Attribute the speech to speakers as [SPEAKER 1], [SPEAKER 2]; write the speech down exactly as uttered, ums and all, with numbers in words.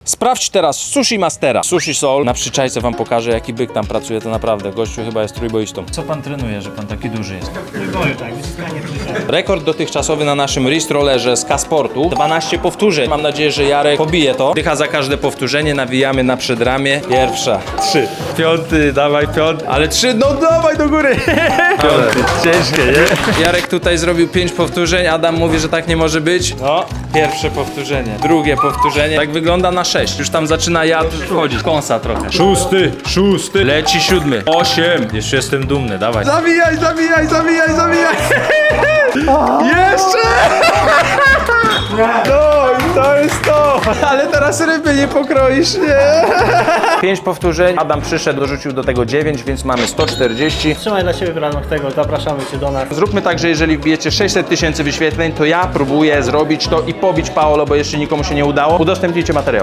[SPEAKER 1] Sprawdź teraz Sushi Mastera. Sushi Soul. Na przyczajce wam pokażę, jaki byk tam pracuje, to naprawdę. Gościu chyba jest trójboistą. Co pan trenuje, że pan taki duży jest?
[SPEAKER 2] Trójboju, tak, wyciskanie trójboju.
[SPEAKER 1] Rekord dotychczasowy na naszym wrist rollerze z K-Sportu. dwanaście powtórzeń. Mam nadzieję, że Jarek pobije to. Dycha za każde powtórzenie, nawijamy na przedramię. Pierwsza. Trzy. Piąty, dawaj piąty. Ale trzy, no dawaj do góry. Piąty. Ciężkie, nie? Jarek tutaj zrobił pięć powtórzeń. Adam mówi, że tak nie może być. No, pierwsze powtórzenie. Drugie powtórzenie. Tak wygląda na sześć. Już tam zaczyna jad wchodzić. Kąsa trochę. Szósty, szósty. Leci siódmy. Osiem. Jeszcze jestem dumny, dawaj. Zawijaj, zawijaj, zawijaj, zawijaj. Jeszcze! No i to jest to! Ale teraz ryby nie pokroisz, nie? Pięć powtórzeń. Adam przyszedł, dorzucił do tego dziewięć, więc mamy sto czterdzieści.
[SPEAKER 2] Trzymaj dla siebie w ramach tego, zapraszamy cię do nas.
[SPEAKER 1] Zróbmy tak, że jeżeli wbijecie sześćset tysięcy wyświetleń, to ja próbuję zrobić to i pobić Paolo, bo jeszcze nikomu się nie udało. Udostępnijcie materiał.